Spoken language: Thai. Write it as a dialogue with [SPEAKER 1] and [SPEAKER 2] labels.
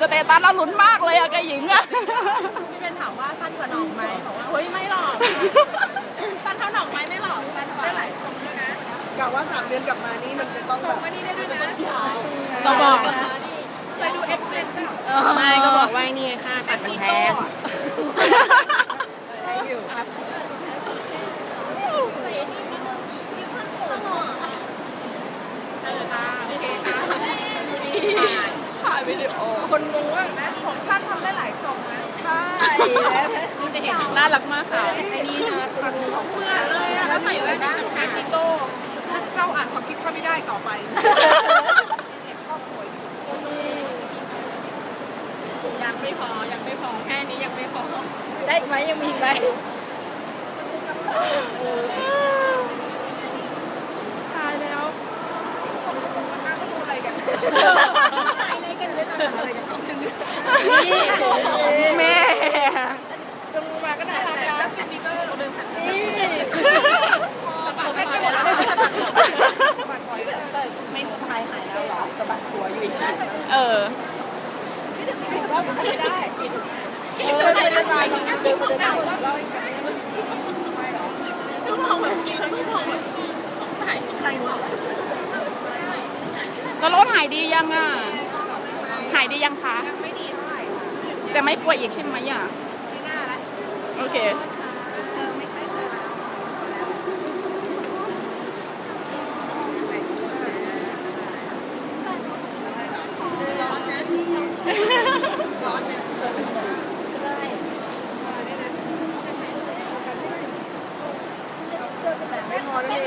[SPEAKER 1] สเตตัสแล้วลุ้นมากเลยอะกับหญิงอะ
[SPEAKER 2] พี่เป็นถามว่าสั้นกว่าหน่องไหมบอกว่าเฮ้ยไม่หรอกสั้นเท่าหน่องไหมไม่หรอกสั้นได้หลายทรงด้วยนะ
[SPEAKER 3] กะว่า3 เดือนกลับมานี่มันจะต้อง
[SPEAKER 2] ทร
[SPEAKER 3] แบ
[SPEAKER 2] ง
[SPEAKER 3] บ
[SPEAKER 2] มานี่ได้ด้วยนะ
[SPEAKER 1] ก็บอก
[SPEAKER 2] เคยดู X-Men เปล่า
[SPEAKER 4] ไม่ก็บอกว่านี่ค่าตัดมันแพง
[SPEAKER 1] ถ่ายวิดีโอ
[SPEAKER 2] คนงงว่าไหมผมสั้นทำได้หลายทรงนะ
[SPEAKER 1] ใช่น่ารักมากค่ะไอ้นี่นะ
[SPEAKER 2] เหมือนเลยอะแล้วใส่แว่นนะแม็กซิโก้เจ้าอ่านความคิดข้าไม่ได้ต่อไปยังไม่พอแค่นี้ยังไม่พอ
[SPEAKER 4] ได้ไหมยังมีอีกไหม
[SPEAKER 1] ตายแล้ว
[SPEAKER 2] มันน่าก็ดูอะไรกัน
[SPEAKER 3] อะไรกันเลยตอนอะไรกับกล้องจึง
[SPEAKER 1] นี่แม่
[SPEAKER 2] ลงมาก็น่ารักนะจัสตินบีเบอร์นี่ไม่หมดแล้วบัตรบ่อยเลย
[SPEAKER 3] ไม่สบายหายแล้วหรอสะบัดหัวอยู่อีก
[SPEAKER 1] เออ
[SPEAKER 3] ไม่ได้
[SPEAKER 2] ใครจะไปเดินมาเดินมาทุกมองแบบกินแล้วทุกมองแบบไหน
[SPEAKER 3] ใครวะ
[SPEAKER 1] แล้วรถหายดียังอ่ะ หายดียังคะ
[SPEAKER 2] ไม่ดีเท่าไหร่
[SPEAKER 1] จะไม่ป่วยอีกใช่ไหมอ่ะ
[SPEAKER 2] ไม่น่าละ
[SPEAKER 1] โอเค
[SPEAKER 2] ไม่ใช่ร้อนนะร้อนนะ
[SPEAKER 3] แต่ไม่พอแล้วเนี่ย